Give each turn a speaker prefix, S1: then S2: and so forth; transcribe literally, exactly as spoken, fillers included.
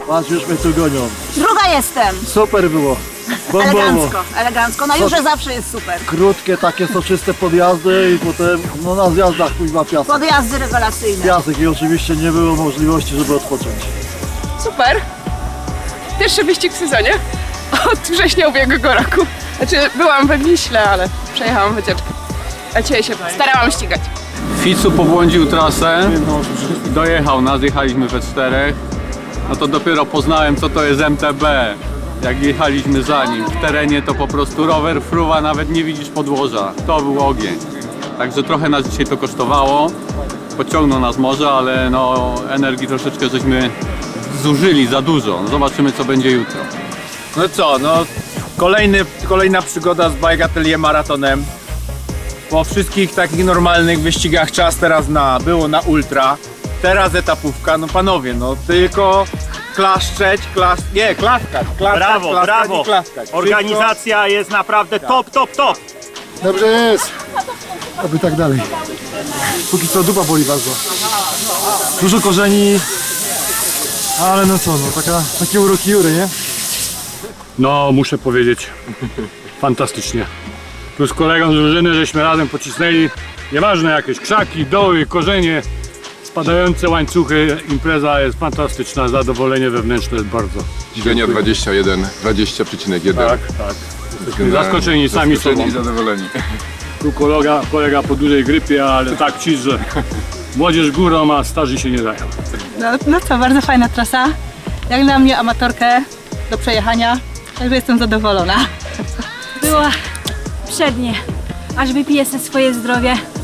S1: Patrz, już mnie tu gonią.
S2: Druga jestem.
S1: Super było. Bombowo.
S2: Elegancko, elegancko. Na Jurze zawsze jest super.
S1: Krótkie, takie soczyste podjazdy i potem no na zjazdach kuźwa piasek.
S2: Podjazdy rewelacyjne.
S1: Piasek i oczywiście nie było możliwości, żeby odpocząć.
S3: Super. Pierwszy wyścig w sezonie od września ubiegłego roku. Znaczy byłam we Wiśle, ale przejechałam wycieczkę. A dzisiaj się starałam ścigać.
S4: Ficu pobłądził trasę, dojechał nas, jechaliśmy we czterech. No to dopiero poznałem, co to jest M T B. Jak jechaliśmy za nim. W terenie to po prostu rower fruwa, nawet nie widzisz podłoża. To był ogień. Także trochę nas dzisiaj to kosztowało. Pociągnął nas może, ale no energii troszeczkę żeśmy zużyli za dużo. Zobaczymy, co będzie jutro.
S5: No co, no kolejny, kolejna przygoda z Bike Atelier maratonem. Po wszystkich takich normalnych wyścigach czas teraz na, było na ultra. Teraz etapówka, no panowie, no tylko klaszczeć, klas... nie, klaskać, klaskać,
S6: Brawo,
S5: klaskać
S6: brawo.
S5: i klaskać.
S6: Organizacja jest naprawdę top, top, top.
S1: Dobrze jest. Aby tak dalej. Póki co dupa boli bardzo. Dużo korzeni. Ale no co, no taka, takie uroki Jury, nie?
S7: No, muszę powiedzieć, fantastycznie. Tu z kolegą z drużyny żeśmy razem pocisnęli, nieważne jakieś krzaki, doły, korzenie, spadające łańcuchy, impreza jest fantastyczna, zadowolenie wewnętrzne jest bardzo.
S8: Średnia dwadzieścia jeden, dwadzieścia przecinek jeden.
S7: Tak, tak. Jesteśmy zaskoczeni sami sobą.
S8: Zaskoczeni i zadowoleni.
S7: Tu kolega, kolega po dużej grypie, ale tak ci, że młodzież górą, a starzy się nie dają.
S9: No, no co, bardzo fajna trasa. Jak na mnie amatorkę do przejechania, także jestem zadowolona.
S10: Było przednie, aż wypiję sobie swoje zdrowie.